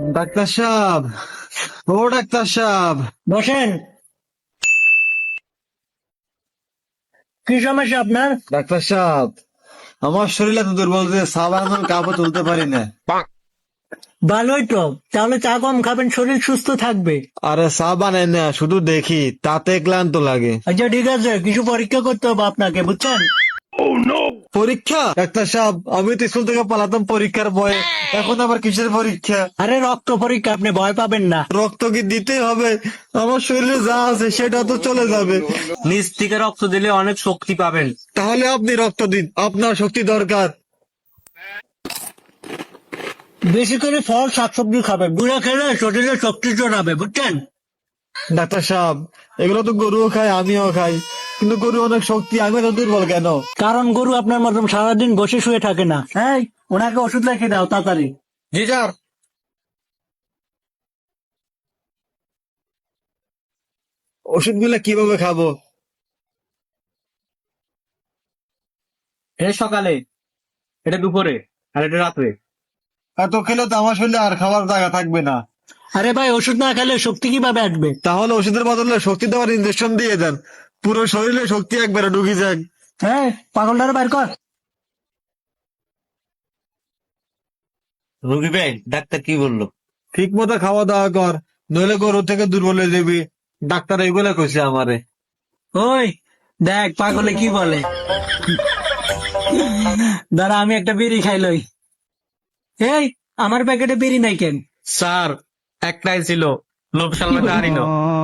Doctor সাহেব, ও doctor সাহেব, বসেন। কি সমস্যা আপনার? ডাক্তার সাহেব, আমার শরীর এত দুর্বল যে চা বানানোর কাপও তুলতে পারি না। ভালোই তো, তাহলে চা কম খাবেন, শরীর সুস্থ থাকবে। আরে চা বানাই না, শুধু দেখি তাতে ক্লান্ত লাগে। আচ্ছা ঠিক আছে, কিছু পরীক্ষা করতে হবে আপনাকে, বুঝছেন? পরীক্ষা? ডাক্তার সাহেব, আমি তো স্কুল থেকে পালাতাম পরীক্ষার ভয়ে, এখন আবার কিসের পরীক্ষা? আরে রক্ত পরীক্ষা, আপনি ভয় পাবেন না। রক্ত কি দিতে হবে? আমার শরীরে যা আছে সেটা তো চলে যাবে। নিজ থেকে রক্ত দিলে অনেক শক্তি পাবেন। তাহলে আপনি রক্ত দিন, আপনার শক্তি দরকার। বেশি করে ফল শাকসবজি খাবেন, গুঁড়া খেলে শরীরে শক্তি জোগাবে, বুঝছেন? ডাক্তার সাহেব, এগুলো তো গরুও খায়, আমিও খাই, কিন্তু গরু অনেক শক্তি, আমি তো দুর্বল কেন? কারণ গরু আপনার মতন সারাদিন বসে শুয়ে থাকে না। হ্যাঁ, ওনাকে ওষুধ লিখে দাও তাড়াতাড়ি। জি স্যার। ওষুধগুলো কিভাবে খাবো? এটা সকালে, এটা দুপুরে, আর এটা রাত্রে। এত খেলে তো আমার শরীরে আর খাবার জায়গা থাকবে না। আরে ভাই, ওষুধ না খেলে শক্তি কিভাবে আসবে? তাহলে ওষুধের বদলে শক্তি দেওয়ার ইনজেকশন দিয়ে দেন, পুরো শরীরে শক্তি একবারে ঢুকে যাক। হ্যাঁ, পাগলটারে বাইর কর। রবি ভাই, ডাক্তার কি বললো? ঠিক মতো খাওয়া দাওয়া কর, নইলে গরু থেকে দুর্বল হয়ে যাবি। ডাক্তার এইগুলা কইছে আমারে। ওই দেখ পাগলে কি বলে। দাঁড়া, আমি একটা বিড়ি খাইলই। এই, আমার প্যাকেটে বিড়ি নাই কেন? স্যার, একটাই ছিল, লোভ সামলাতে পারিল।